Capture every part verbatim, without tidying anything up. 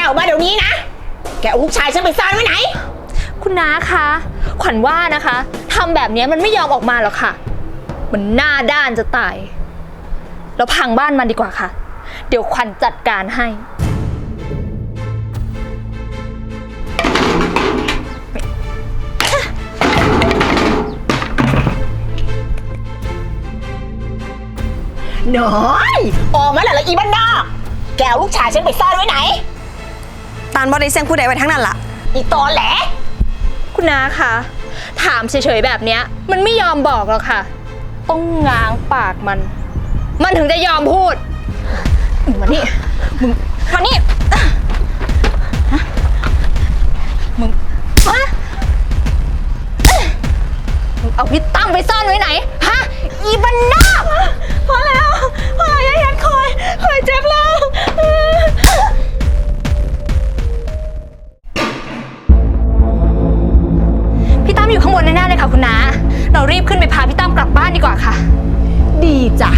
ออกมาเดี๋ยวนี้นะแกเอาลูกชายฉันไปซ่อนไว้ไหนคุณน้าคะขวัญว่านะคะทำแบบนี้มันไม่ยอมออกมาหรอกค่ะมันหน้าด้านจะตายเราพังบ้านมันดีกว่าค่ะเดี๋ยวขวัญจัดการให้น้อยออกมาแล้วละอีบ้านนอกแกเอาลูกชายฉันไปซ่อนไว้ไหนตานบอได้เสียงผู้ใดไว้ทั้งนั้นล่ะอีตอแหลคุณน้าคะถามเฉยๆแบบเนี้ยมันไม่ยอมบอกหรอกค่ะต้องง้างปากมันมันถึงจะยอมพูดมานี่มึงมานี่มึงฮะมึงเอาพี่ตั้มไปซ่อนไว้ไหนฮะอีบ้านนอกพอแล้วพอแล้วอย่าคอยคอยเจ็บแล้วพี่ตั้มอยู่ข้างบนแน่ๆเลยค่ะคุณน้าเรารีบขึ้นไปพาพี่ตั้มกลับบ้านดีกว่าค่ะดีจ้ะ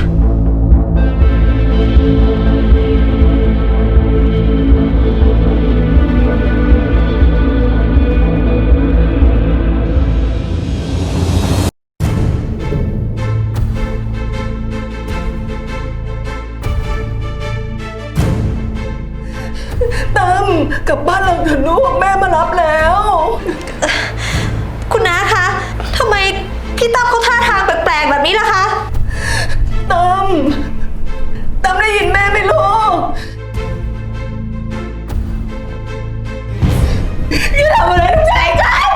ตั้มกลับบ้านเราเถอะลูกแม่มารับแล้วคุณน้าคะทำไมพี่ตั้มเขาท่าทางแปลกๆแบบนี้ล่ะคะตั้มตั้มได้ยินแม่ไหมลูกอย่าทำอะไรลูกชายฉัน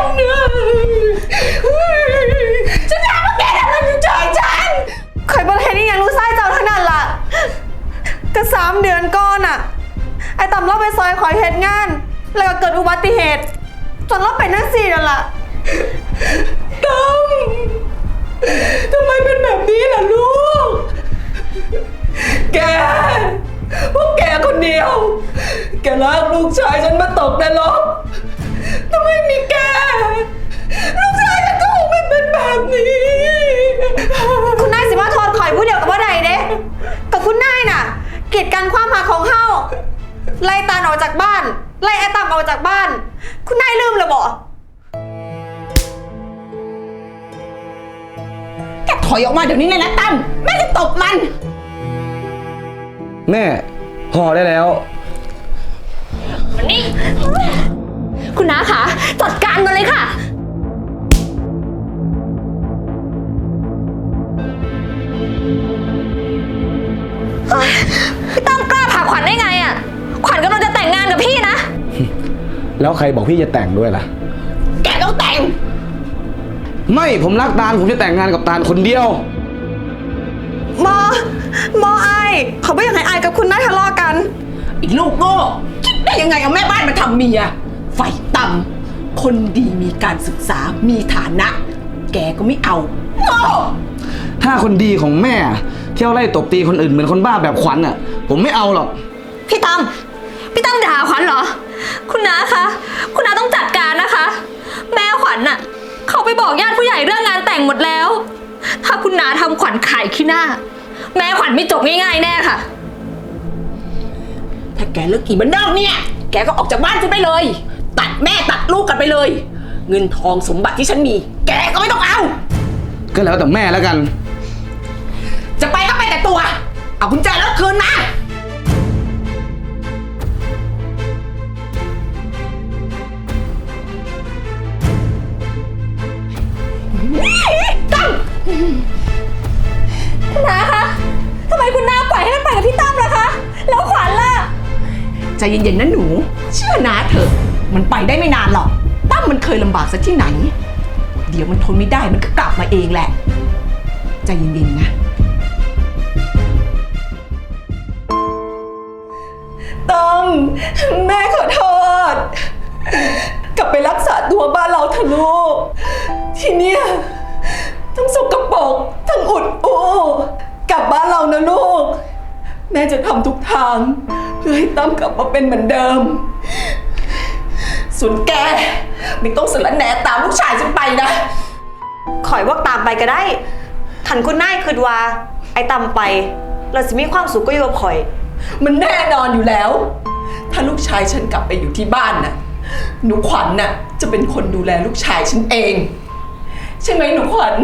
ฉันถามว่าแกทำอะไรลูกชายฉันคอยบอกให้นี่ยังรู้ไส้เจ้าทั้งนั้นล่ะก็สามเดือนก่อนอะไอ้ตั้มเราไปซอยขอยเหตุงานแล้วก็เกิดอุบัติเหตุจนเราเป็นนักสี่นั่นล่ะตั้มทำไมเป็นแบบนี้ล่ะลูกแกพวกแกคนเดียวแกลากลูกชายฉันมาตกนรกถ้าไม่มีแกลูกชายฉันก็คงไม่เป็นแบบนี้คุณนายสิมาโทษข่อยผู้เดียวกับว่าใดเด้กับคุณนายน่ะกีดกันความหาของเฮาไล่ตาลออกจากบ้านไล่ไอ้ตั้มออกจากบ้านคุณนายลืมเลยบ่แกถอยออกมาเดี๋ยวนี้เลยนะตั้มแม่จะตบมันแม่ห่อได้แล้วมันนี่คุณน้าคะจัดการมันเลยค่ะพี่ตั้มกล้าผ่าขวัญได้ไงอ่ะขวัญกำลังจะแต่งงานกับพี่นะแล้วใครบอกพี่จะแต่งด้วยล่ะแกต้องแต่งไม่ผมรักตาลผมจะแต่งงานกับตาลคนเดียวมอมอไอเขาไม่อยากให้ไอกับคุณนายทะเลาะกันอีกลูกโง่คิดได้ยังไงเอาแม่บ้านมาทำเมียไฟต่ำคนดีมีการศึกษามีฐานะ แกก็ไม่เอาโง่ถ้าคนดีของแม่เที่ยวไล่ตบตีคนอื่นเหมือนคนบ้าแบบขวัญอ่ะผมไม่เอาหรอกพี่ตั้มพี่ตั้มด่าขวัญเหรอคุณน้าคะคุณน้าต้องจัดการนะคะแม่ขวัญน่ะเขาไปบอกญาติผู้ใหญ่เรื่องงานแต่งหมดแล้วถ้าคุณน้าทำขวัญขายขี้หน้าแม่ขวัญไม่จบง่ายๆแน่ค่ะถ้าแกเลิกกี่บ้านนอกเนี่ยแกก็ออกจากบ้านฉันไปเลยตัดแม่ตัดลูกกันไปเลยเงินทองสมบัติที่ฉันมีแกก็ไม่ต้องเอาก็แล้วแต่แม่แล้วกันจะไปก็ไปแต่ตัวเอากุญแจรถคืนมาตั้มคุณน้าคะทำไมคุณน้าปล่อยให้มันไปกับพี่ตั้มล่ะคะแล้วขวัญล่ะใจเย็นๆนะหนูเชื่อน้าเถอะมันไปได้ไม่นานหรอกตั้มมันเคยลำบากซะที่ไหนเดี๋ยวมันทนไม่ได้มันก็กลับมาเองแหละใจเย็นๆนะตั้มแม่ขอโทษกลับไปรักษาตัวบ้านเราเถอะลูกทีเนี้ยทั้งสกปรกทั้งอุดอู้กลับบ้านเรานะลูกแม่จะทำทุกทางเพื่อให้ตั้มกลับมาเป็นเหมือนเดิมส่วนแกไม่ต้องสละแหน่ตามลูกชายฉันไปนะข่อยว่าตามไปก็ได้ทันคุณนายคือว่าไอ้ตั้มไปเราจะมีความสุขก็อยู่กับข่อยมันแน่นอนอยู่แล้วถ้าลูกชายฉันกลับไปอยู่ที่บ้านน่ะหนูขวัญน่ะจะเป็นคนดูแลลูกชายฉันเอง ใช่ไหมหนูขวัญ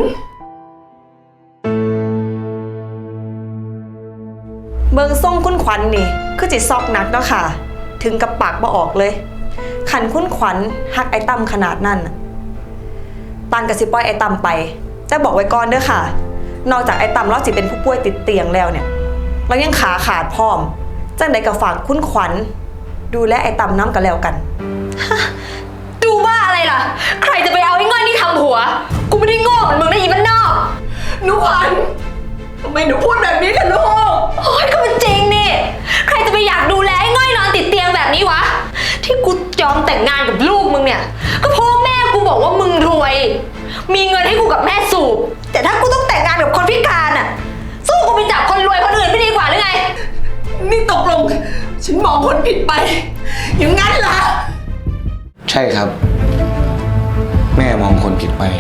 เบิงส่งคุณขวัญนี่คือจิตซอกหนักเนาะค่ะ ถึงกับปากบ่ออกเลยขันคุณขวัญหักไอ้ตั้มขนาดนั้นน่ะตันกับสิปล่อยไอ้ตั้มไปแต่บอกไว้ก่อนเด้อค่ะ นอกจากไอ้ตั้มเราสิเป็นผู้ป่วยติดเตียงแล้วเนี่ยเรายังขาขาดพร้อมจังใดก็ฝากคุณขวัญดูแลไอ้ตั้มน้ำกันแล้วกันดูบ้าอะไรล่ะ ใครจะไปเอาไอ้ง่อยนี่ทำหัว กูไม่ได้โง่เหมือนมึงนะอีบ้านนอกหนูขวัญทำไมหนูพูดแบบนี้ล่ะลูกโอ้ยก็มันจริงนี่ ใครจะไปอยากดูแลไอ้ง่อยนอนติดเตียงแบบนี้วะ ที่กูยอมแต่งงานกับลูกมึงเนี่ย ก็เพราะว่าแม่กูบอกว่ามึงรวย มีเงินให้กูกับแม่สูบ แต่ถ้ากูต้องแต่งงานกับคนพิการอ่ะ สู้กูไปจับคนรวยคนอื่นไม่ดีกว่าหรือไงนี่ตกลง ฉันมองคนผิดไป อย่างนั้นเหรอใช่ครับ แม่มองคนผิดไป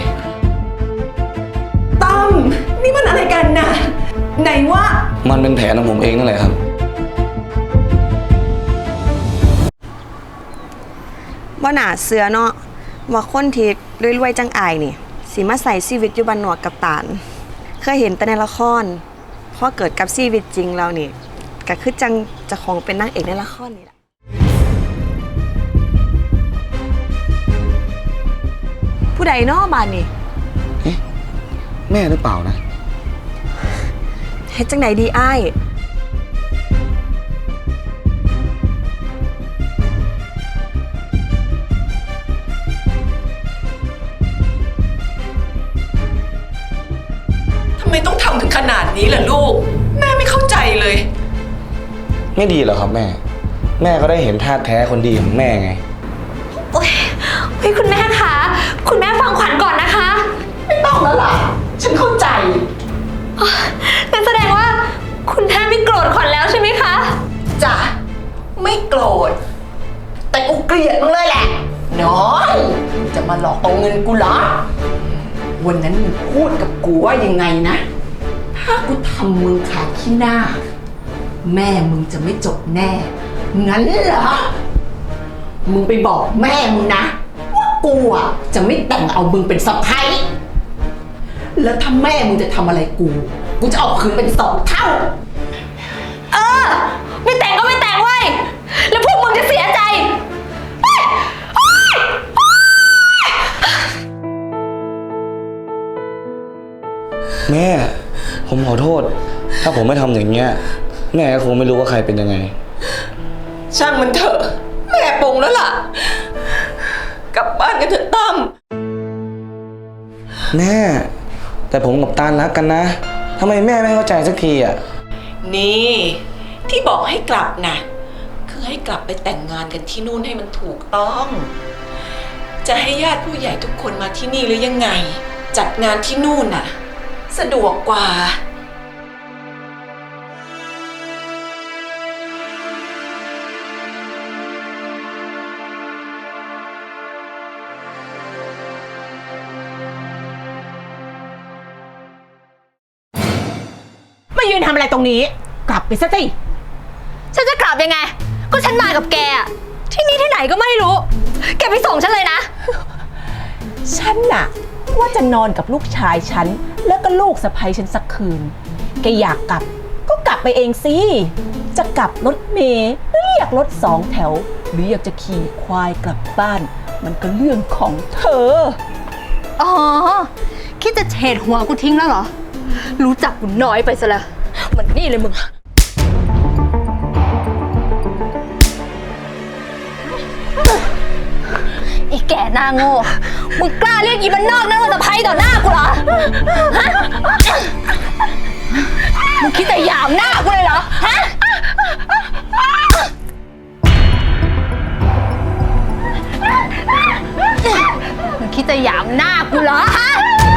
ตั้มนี่มันอะไรกันน่ะ ไหนว่ามันเป็นแผนของผมเองนั่นแหละครับว่าหนาเสือเนาะว่าคนที่รวยๆจังอายนี่สิมาใส่ชีวิตอยู่บ้านนอกกับตาลเคยเห็นแต่ในละครพอเกิดกับชีวิตจริงแล้วนี่ก็คือจังเจะของเป็นนางเอกในละครนี่แหละผู้ใดเนาะบ้านนี่แม่หรือเปล่านะเฮ็ดจังไหนดีอ้ายทำไมต้องทำถึงขนาดนี้ล่ะลูก แม่ไม่เข้าใจเลยไม่ดีเหรอครับแม่ แม่ก็ได้เห็นท่าแท้คนดีของแม่ไงโอ๊ยเฮ้ยคุณแม่คะ คุณแม่ฟังขวัญก่อนนะคะไม่ต้องแล้วล่ะ ฉันเข้าใจงั้นแสดงว่าคุณแม่ไม่โกรธขวัญแล้วใช่ไหมคะจ้ะ ไม่โกรธ แต่กูเกลียดมึงเลยแหละ น้อยจะมาหลอกเอาเงินกูเหรอ วันนั้นมึงพูดกับกูว่ายังไงนะ ถ้ากูทำมึงขาดขี้หน้า แม่มึงจะไม่จบแน่ งั้นเหรอ มึงไปบอกแม่มึงนะ ว่ากูอ่ะจะไม่แต่งเอามึงเป็นสะใภ้แล้วถ้าแม่มึงจะทำอะไรกู กูจะเอาคืนเป็นสองเท่าเออ ไม่แต่งก็ไม่แต่งเว้ย แล้วพวกมึงจะเสียใจเฮ้ยเฮ้ยเฮ้ยแม่ ผมขอโทษ ถ้าผมไม่ทำอย่างเงี้ย แม่ก็คงไม่รู้ว่าใครเป็นยังไงช่างมันเถอะ แม่ปลงแล้วล่ะ กลับบ้านกันเถอะตั้มแม่ แต่ผมกับตาลรักกันนะทำไมแม่ไม่เข้าใจสักทีอ่ะนี่ ที่บอกให้กลับนะคือให้กลับไปแต่งงานกันที่นู่นให้มันถูกต้อง จะให้ญาติผู้ใหญ่ทุกคนมาที่นี่หรือยังไง จัดงานที่นู่นน่ะ สะดวกกว่ามายืนทำอะไรตรงนี้ กลับไปซะสิฉันจะกลับยังไง ก็ฉันมากับแกอะที่นี่ที่ไหนก็ไม่รู้ แกไปส่งฉันเลยนะฉันน่ะว่าจะนอนกับลูกชายฉันแล้วก็ลูกสะใภ้ฉันสักคืน แกอยากกลับก็กลับไปเองสิ จะกลับรถเมล์หรือเรียกรถสองแถว หรืออยากจะขี่ควายกลับบ้าน มันก็เรื่องของเธออ๋อ คิดจะเฉดหัวกูทิ้งแล้วเหรอ รู้จักกูน้อยไปซะแล้วมันนี่เลยมึง อีแก่หน้าโง่ มึงกล้าเรียกอีบ้านนอกนั่งสะใภ้ต่อหน้ากูเหรอ ฮะ มึงคิดจะหยามหน้ากูเลยเหรอ ฮะ มึงคิดจะหยามหน้ากูเหรอ ฮะ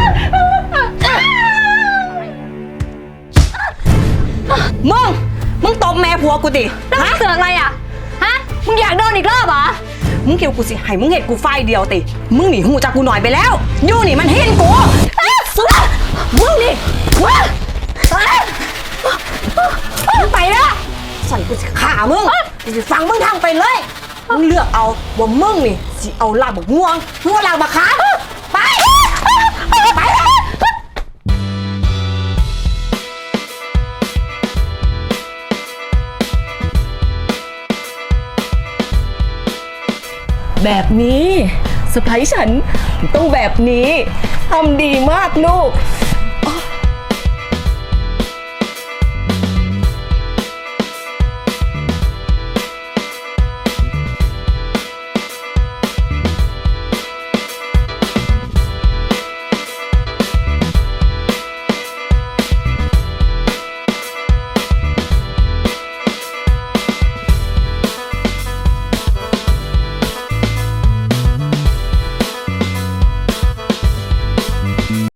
มึง มึงตบแม่ผัวกูดิแล้วมึงเสือกอะไรอ่ะ ฮะ มึงอยากโดนอีกรอบเหรอมึงเกี่ยวกูสิให้มึงเห็ดกูไฟเดียวติ มึงหนีหูจากกูหน่อยไปแล้วอยู่นี่มันเห็นกูอ้าวเสือมึงนี่ว้าไปแล้วใส่กูสิขามึงฟังมึงทางไปเลย มึงเลือกเอาว่ามึงนี่สิเอาลากบักม่วงมึงเอาลากบักขามไป ไปแบบนี้สะพ้ยฉันต้องแบบนี้ทำดีมากลูก